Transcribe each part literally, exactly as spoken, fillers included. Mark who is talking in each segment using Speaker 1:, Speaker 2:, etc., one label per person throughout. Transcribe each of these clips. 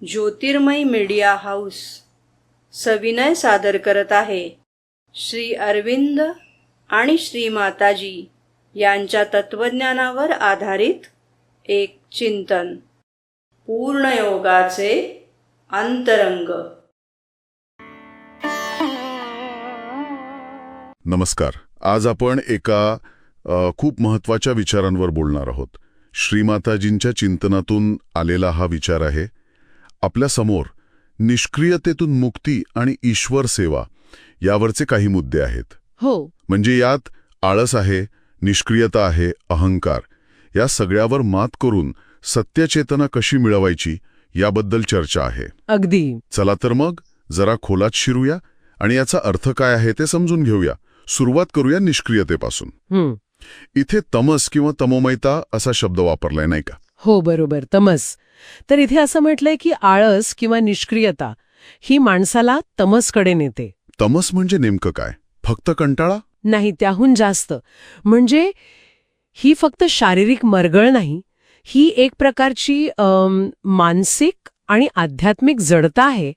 Speaker 1: ज्योतिर्मय media house सविनय सादर करत आहे श्री अरविंद आणि श्री माताजी यांच्या तत्वज्ञानावर आधारित एक चिंतन, पूर्णयोगाचे अंतरंग.
Speaker 2: नमस्कार. आज आपण एका अ, खूप महत्त्वाच्या विचारांवर बोलणार आहोत. श्रीमाताजींच्या चिंतनातून आलेला हा विचार आहे. आपल्या समोर निष्क्रियतेतून मुक्ती आणि ईश्वर सेवा यावरचे काही मुद्दे आहेत.
Speaker 3: हो,
Speaker 2: म्हणजे यात आळस आहे, निष्क्रियता आहे, अहंकार, या सगळ्यावर मात करून सत्यचेतना कशी मिळवायची याबद्दल चर्चा आहे.
Speaker 3: अगदी.
Speaker 2: चला तर मग जरा खोलात शिरूया आणि याचा अर्थ काय आहे ते समजून घेऊया. सुरुवात करूया निष्क्रियतेपासून.
Speaker 3: हं.
Speaker 2: इथे तमस किंवा तमोमयता असा शब्द वापरलाय नाही का?
Speaker 3: हो, बरोबर, तमस. तर इथे असं म्हटलंय की आळस किंवा निष्क्रियता ही माणसाला तमसकडे नेते.
Speaker 2: तमस म्हणजे नेमकं काय? फक्त कंटाळा?
Speaker 3: नाही, त्याहून जास्त. म्हणजे ही फक्त शारीरिक मरगळ नाही, ही एक प्रकारची अम, मानसिक आणि आध्यात्मिक जडता आहे.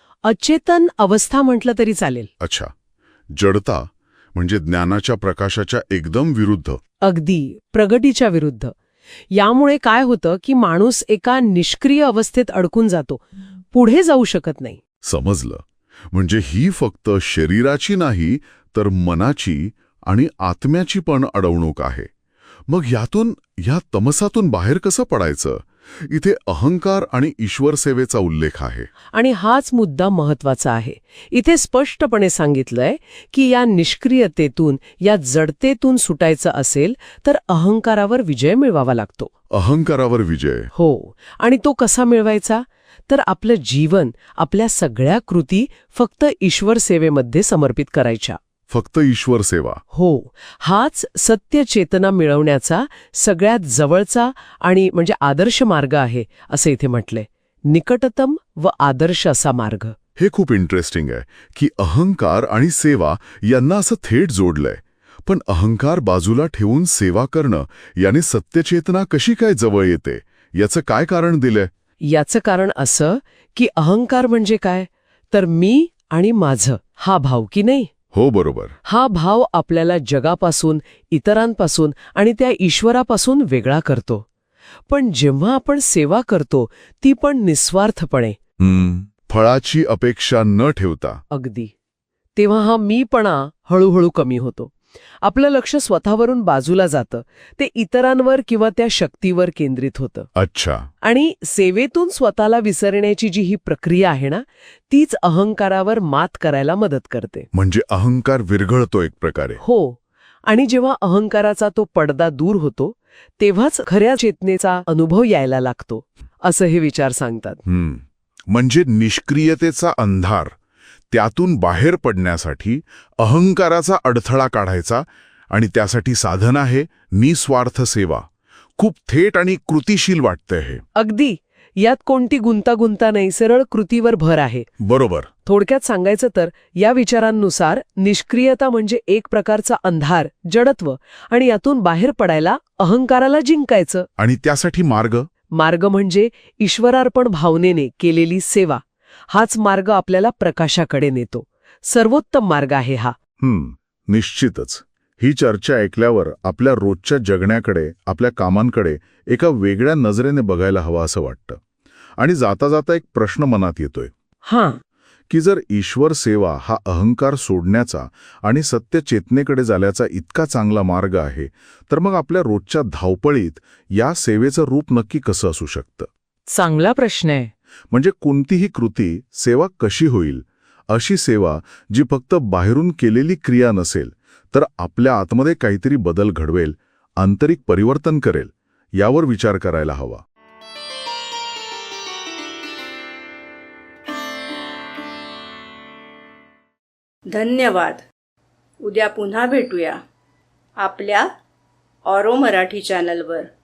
Speaker 3: अचेतन अवस्था म्हटलं तरी चालेल.
Speaker 2: अच्छा, जडता म्हणजे ज्ञानाच्या प्रकाशाच्या एकदम विरुद्ध.
Speaker 3: अगदी, प्रगतीच्या विरुद्ध. यामुळे काय होतं की माणूस एका निष्क्रिय अवस्थेत अडकून जातो, पुढे जाऊ शकत नाही.
Speaker 2: समजलं. म्हणजे ही फक्त शरीराची नाही तर मनाची आणि आत्म्याची पण अडवणूक आहे. मग यातून, या तमसातून बाहेर कसं पडायचं? इथे अहंकार आणि ईश्वर सेवेचा उल्लेख आहे.
Speaker 3: आणि हाच मुद्दा महत्वाचा आहे. इथे स्पष्टपणे सांगितलंय की या निष्क्रियतेतून, या जडतेतून सुटायचं असेल तर अहंकारावर विजय मिळवावा लागतो.
Speaker 2: अहंकारावर विजय?
Speaker 3: हो. आणि तो कसा मिळवायचा? तर आपलं जीवन, आपल्या सगळ्या कृती फक्त ईश्वर सेवेमध्ये समर्पित करायच्या.
Speaker 2: फक्त ईश्वर सेवा?
Speaker 3: हो. हाच सत्य चेतना मिळवण्याचा सगळ्यात जवळचा आणि म्हणजे आदर्श मार्ग आहे, असं इथे म्हटलंय. निकटतम व आदर्श असा मार्ग.
Speaker 2: हे खूप इंटरेस्टिंग आहे की अहंकार आणि सेवा यांना असं थेट जोडलंय. पण अहंकार बाजूला ठेवून सेवा करणं याने सत्यचेतना कशी काय जवळ येते? याचं काय कारण दिलंय?
Speaker 3: याचं कारण असं की अहंकार म्हणजे काय? तर मी आणि माझं हा भाव की नाही?
Speaker 2: हो, बरोबर.
Speaker 3: हा भाव आपल्याला जगापासून, इतरांपासून आणि त्या ईश्वरापासून वेगळा करतो. पण जेव्हा आपण सेवा करतो ती पण निस्वार्थपणे,
Speaker 2: फळाची अपेक्षा न ठेवता,
Speaker 3: अगदी, तेव्हा हा मीपणा हळूहळू कमी होतो. आपलं लक्ष स्वतःवरून बाजूला जातं, ते इतरांवर किंवा त्या शक्तीवर केंद्रित होतं.
Speaker 2: अच्छा.
Speaker 3: आणि सेवेतून स्वतःला विसरण्याची जी ही प्रक्रिया आहे ना, तीच अहंकारावर मात करायला मदत करते.
Speaker 2: म्हणजे अहंकार विरघळतो एक प्रकारे.
Speaker 3: हो. आणि जेव्हा अहंकाराचा तो पडदा दूर होतो तेव्हाच खऱ्या चेतनेचा अनुभव यायला लागतो, असं हे विचार सांगतात.
Speaker 2: हम्म. म्हणजे निष्क्रियतेचा अंधार, त्यातून बाहेर पडण्यासाठी अहंकाराचा अडथळा काढायचा, आणि त्यासाठी साधन आहे निस्वार्थ सेवा. खूप थेट आणि कृतिशील वाटतंय हे.
Speaker 3: अगदी. यात कोणती गुंतागुंता नाही, सरळ कृतीवर भर आहे.
Speaker 2: बरोबर.
Speaker 3: थोडक्यात सांगायचं तर या विचारांनुसार निष्क्रियता म्हणजे एक प्रकारचा अंधार, जडत्व, आणि यातून बाहेर पडायला अहंकाराला जिंकायचं.
Speaker 2: आणि त्यासाठी मार्ग?
Speaker 3: मार्ग म्हणजे ईश्वरार्पण भावनेने केलेली सेवा. हाच मार्ग आपल्याला प्रकाशाकडे नेतो. सर्वोत्तम मार्ग आहे हा.
Speaker 2: हम्म, निश्चितच. ही चर्चा ऐकल्यावर आपल्या रोजच्या जगण्याकडे, आपल्या कामांकडे एका वेगळ्या नजरेने बघायला हवं असं वाटतं. आणि जाता जाता एक प्रश्न मनात येतोय.
Speaker 3: हां.
Speaker 2: की जर ईश्वर सेवा हा अहंकार सोडण्याचा आणि सत्य चेतनेकडे जाण्याचा इतका चांगला मार्ग आहे, तर मग आपल्या रोजच्या धावपळीत या सेवेचं रूप नक्की कसं असू शकतं?
Speaker 3: चांगला प्रश्न आहे.
Speaker 2: म्हणजे कोणतीही कृती, सेवा कशी होईल? अशी सेवा जी फक्त बाहेरून केलेली क्रिया नसेल, तर आपल्या आतमध्ये काहीतरी बदल घडवेल, आंतरिक परिवर्तन करेल, यावर विचार करायला हवा.
Speaker 1: धन्यवाद. उद्या पुन्हा भेटूया आपल्या ऑरो मराठी चॅनलवर.